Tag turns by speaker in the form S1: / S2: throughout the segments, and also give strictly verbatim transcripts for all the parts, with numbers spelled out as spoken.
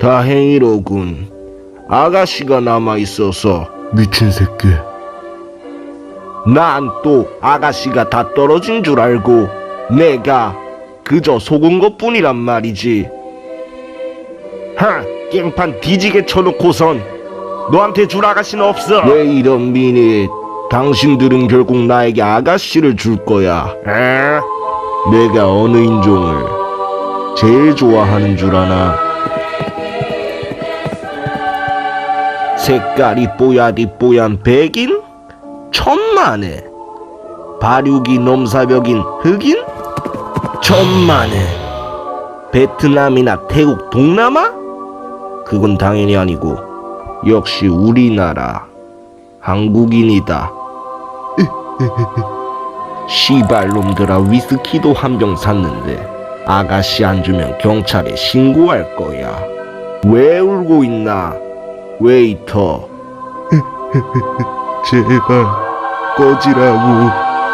S1: 다행이로군. 아가씨가 남아있어서.
S2: 미친 새끼.
S1: 난 또 아가씨가 다 떨어진 줄 알고 내가 그저 속은 것뿐이란 말이지. 하! 깽판 뒤지게 쳐놓고선 너한테 줄 아가씨는 없어. 왜 이런 미니? 당신들은 결국 나에게 아가씨를 줄 거야. 에? 내가 어느 인종을 제일 좋아하는 줄 아나? 색깔이 뽀야디 뽀얀 백인? 천만에. 발육이 넘사벽인 흑인? 천만에. 베트남이나 태국 동남아? 그건 당연히 아니고 역시 우리나라 한국인이다. 시발놈들아, 위스키도 한 병 샀는데 아가씨 안 주면 경찰에 신고할 거야. 왜 울고 있나 웨이터?
S2: 제발 꺼지라고.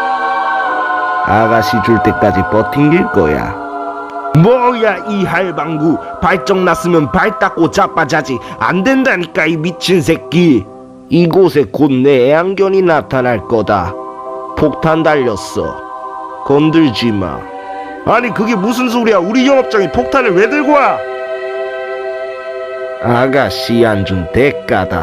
S1: 아가씨 줄 때까지 버팅길 거야. 뭐야 이 할방구, 발정 났으면 발 닦고 자빠자지. 안 된다니까 이 미친 새끼. 이곳에 곧 내 애완견이 나타날 거다. 폭탄 달렸어. 건들지 마. 아니 그게 무슨 소리야? 우리 영업장이 폭탄을 왜 들고 와? 아가씨 안 준 대가다.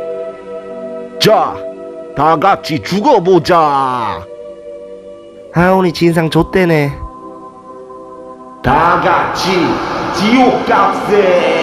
S1: 자, 다 같이 죽어보자. 아, 오늘 진상 좆대네. 다 같이 지옥 값에.